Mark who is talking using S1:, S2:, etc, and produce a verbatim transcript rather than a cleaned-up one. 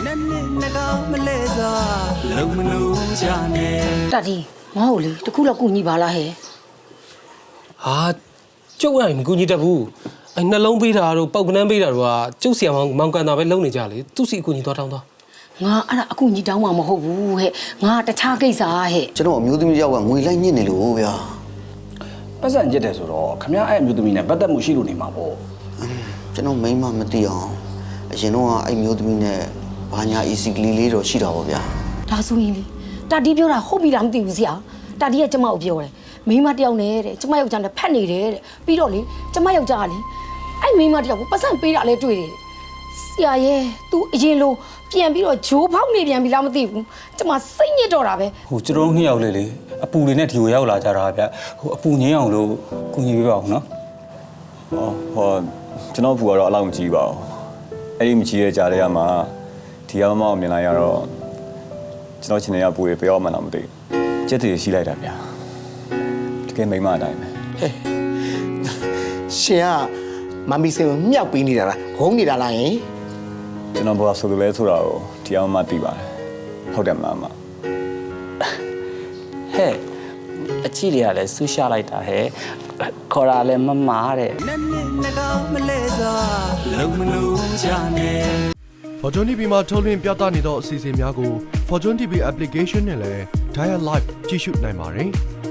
S1: တာဒီငါ့ကိုလေတခုလောက်ကူညီပါလားဟဲ့
S2: ဟာကျုပ်အဲ့မကူညီတတ်ဘူးအဲ့နှလုံးပေးတာတို့ပောက်ကနန်းပေးတာတို့ကကျုပ်ဆီအောင်မောင်ကန်တာပဲလုံနေကြလေသူ့စီအကူညီသွားတောင်းသွား
S1: ငါအဲ့ဒါအကူညီတောင်းမှာမဟုတ်ဘူးဟဲ့ငါတခြားကိစ္စဟဲ့
S3: ကျွန်တော်အမျိုးသမီးယောက်ကငွေလိုက်ညစ်နေလို့ဗျာ
S4: ပတ်စံကျက်တယ်ဆိုတော့ခမရအဲ့အမျိုးသမီးနဲ့ပတ်သက်မှုရှိလို့နေမှာပေါ့
S3: ကျွန်တော်မိန်းမမသိအောင်အရင်တော့အဲ့မျိုးသမီးနဲ့ဘာညာ easy ကလေးလေးတော့ရှိတာပေါ့ဗျာ
S1: ဒါဆိုရင်လေတာဒီပြောတာဟုတ်ပြီလားမသိဘူးဆရာတာဒီကကျမကိုပြောတယ်မိမတယောက်နဲ့တဲ့ကျမယောက်ျားနဲ့ဖက်နေတယ်တဲ့ပြီးတော့လေကျမယောက်ျားကလေအဲ့မိမတယောက်ကိုပတ်စံပေးတာလဲတွေ့တယ်ဆရာရဲ့ तू အရင်လိုပြန်ပြီးတော့ဂျိုးဖောက်နေပြန်ပြီလားမသိဘူးကျမစိတ်ညစ်တော့တာပဲ
S5: ဟိုကျွန်တော်နှစ်ယောက်လေးလေအပူလေးနဲ့ဒီကိုရောက်လာကြတာဗျဟိုအပူငင်းအောင်လို့ကူညီပေးပါဦးနော်
S6: ဟောဟောကျွန်တော်ဘူးကတော့အလောက်မကြည့်ပါဘူးအဲ့ဒီမကြည့်ရကြတဲ့ကမှဒီကမမောက်မြင်လိုက်ရတော့ကျွန်တော်ချင်းနေရပူရပြောမှန်းတော့မသိဘူးစက်တည်းရှိလိုက်တာဗျာတကယ်မိမအတိုင်းပဲ
S7: ရှင်ကမမီစင်ကိုမြောက်ပေးနေတာလားဂုံးနေတာလားယင်
S6: ကျွန်တော်ဘာဆိုလို့လဲဆိုတာကိုဒီအောင်မှသိပါတယ်ဟုတ်တယ်မလားမ
S8: ဟဲ့အချီတွေကလည်းဆူရှာလိုက်တာဟဲ့ခေါ်တာလည်းမမားတဲ့
S9: Fortune တီဗီ မှာထုတ်လွှင့်ပြသနေသောအစီအစဉ်များကို Fortune တီဗီ application နဲ့လည်း Dial Live ကြည့်ရှုနိုင်ပါတယ်။